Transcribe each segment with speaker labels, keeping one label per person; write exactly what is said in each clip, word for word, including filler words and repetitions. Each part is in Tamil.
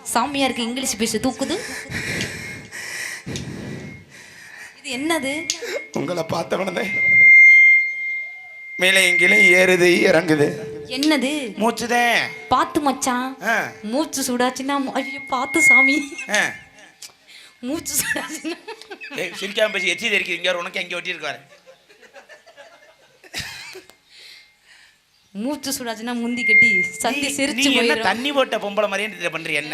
Speaker 1: சாமியாருக்கு இங்கிலீஷ் பேச தூக்குது. இது என்னது?
Speaker 2: உங்களை பார்த்தவனே மேலே எங்கிலும் ஏறுது இறங்குது.
Speaker 1: என்னது?
Speaker 2: மூச்சுதேன்.
Speaker 1: பாத்து மச்சான், மூச்சு சூடாச்சுன்னா ஐயோ பாத்து சாமி. மூச்சு சூடாச்சுன்னா
Speaker 2: சிரிக்காம பேசி எச்சி தெரிக்கிறீங்க. உனக்கு எங்கே ஒட்டி இருக்காரு.
Speaker 1: மூச்சு சூடாச்சுன்னா முந்தி கட்டி சந்தி சிரிச்சு
Speaker 2: என்ன தண்ணி போட்ட பொம்பளை மாதிரியே பண்ற என்ன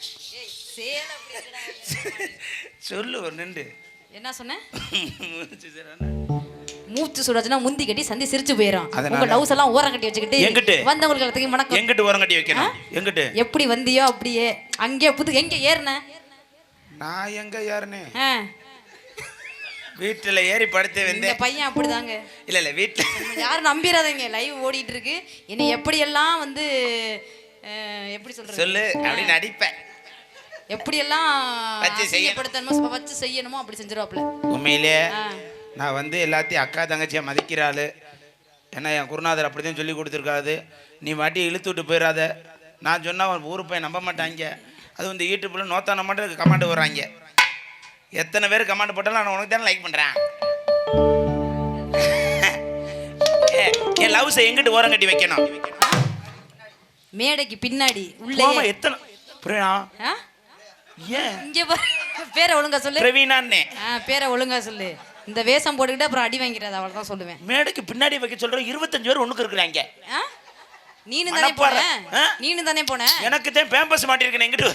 Speaker 2: சொல்லு ஒரு நின்று
Speaker 1: என்ன சொன்ன? மூச்சு சுடாச்சுன்னா முந்தி கட்டி சந்தி சிரிச்சு போயிடும். உங்க லவ்ஸ் எல்லாம் ஓரம் கட்டி வச்சுக்கிட்டு
Speaker 2: எங்கிட்டு
Speaker 1: வந்தவங்களுக்கு எல்லாத்துக்கும் வணக்கம்.
Speaker 2: எங்கிட்டு ஓரம் கட்டி வைக்கணும்? எங்கிட்டு
Speaker 1: எப்படி வந்தியோ அப்படியே அங்கே புது எங்க ஏறின?
Speaker 2: நான் எங்க ஏறினே? வீட்டுல ஏறி படுத்து வந்தேன்.
Speaker 1: பையன் அப்படிதாங்க.
Speaker 2: இல்ல இல்ல வீட்டுல
Speaker 1: யாரும் நம்பிடாதீங்க. லைவ் ஓடிட்டு இருக்கு. என்னை எப்படி எல்லாம் வந்து எப்படி சொல்றது
Speaker 2: சொல்லு அப்படின்னு நடிப்பேன்.
Speaker 1: எப்படியெல்லாம் செய்யப்படுத்தணுமோ வச்சு செய்யணுமோ அப்படி செஞ்சிருவாப்ல.
Speaker 2: உண்மையிலே நான் வந்து எல்லாத்தையும் அக்கா தங்கச்சியை மதிக்கிறாள். ஏன்னா என் குருநாதர் அப்படிதான் சொல்லி கொடுத்துருக்காது. நீ வாட்டி இழுத்து விட்டு போயிடாத. நான் சொன்னால் அவன் ஊரு போய் நம்ப மாட்டாங்க. அது வந்து யூடியூப்பில் நோத்தான மட்டும் கமெண்ட் வர்றாங்க. எத்தனை பேர் கமெண்ட் போட்டாலும் நான் உனக்கு தானே லைக் பண்ணுறேன். என் லவ்ஸை எங்கிட்டு ஓரம் கட்டி வைக்கணும்?
Speaker 1: மேடைக்கு பின்னாடி உள்ள
Speaker 2: எத்தனை புரியா?
Speaker 1: ஏன் இங்கே பேரை ஒழுங்கா சொல்லு.
Speaker 2: பிரவீனான்னே
Speaker 1: பேரை ஒழுங்கா சொல்லு. இந்த வேஷம் போட்டுக்கிட்டு அப்புறம் அடி வாங்கிறது அவ்வளோதான் சொல்லுவேன்.
Speaker 2: மேடைக்கு பின்னாடி வைக்க சொல்கிறேன். இருபத்தஞ்சு பேர் ஒன்றுக்கு இருக்கிறாங்க.
Speaker 1: நீனு தானே போன நீனு தானே போன
Speaker 2: எனக்கு தான் பேம்பஸ் மாட்டிருக்கேன் எங்கிட்டு.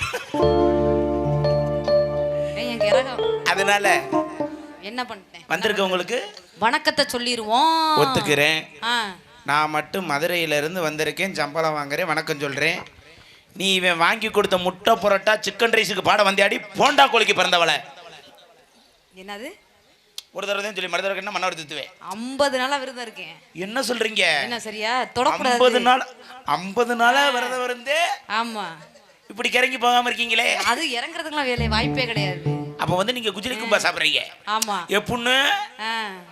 Speaker 2: அதனால
Speaker 1: என்ன பண்ணிட்டேன்
Speaker 2: வந்திருக்க உங்களுக்கு
Speaker 1: வணக்கத்தை சொல்லிடுவோம்.
Speaker 2: ஒத்துக்கிறேன். நான் மட்டும் மதுரையில இருந்து வந்திருக்கேன். சம்பளம் வாங்குறேன். வணக்கம் சொல்றேன். நீ இவன் வாங்கி கொடுத்த முட்டை புரோட்டா சிக்கன் ரைஸுக்கு பாட வந்தாடி போண்டா கோழிக்கு பிறந்தவளை.
Speaker 1: என்னது? ஒரு
Speaker 2: தடவை தான் சொல்லி மறுதடவை என்ன மண்ணை எடுத்துவேன்.
Speaker 1: ஐம்பது நாளா விரதம் இருக்கேன்.
Speaker 2: என்ன சொல்றீங்க?
Speaker 1: என்ன சரியா தொடக்கூடாது.
Speaker 2: ஐம்பது நாள் ஐம்பது நாளா விரதம் இருந்து
Speaker 1: ஆமா
Speaker 2: இப்படி கிறங்கி போகாம இருக்கீங்களே.
Speaker 1: அது இறங்குறதுக்குலாம் வேலை வாய்ப்பே கிடையாது.
Speaker 2: அப்ப வந்து நீங்க குஜிலி கும்பா சாப்பிடுறீங்க.
Speaker 1: ஆமா
Speaker 2: எப்புன்னு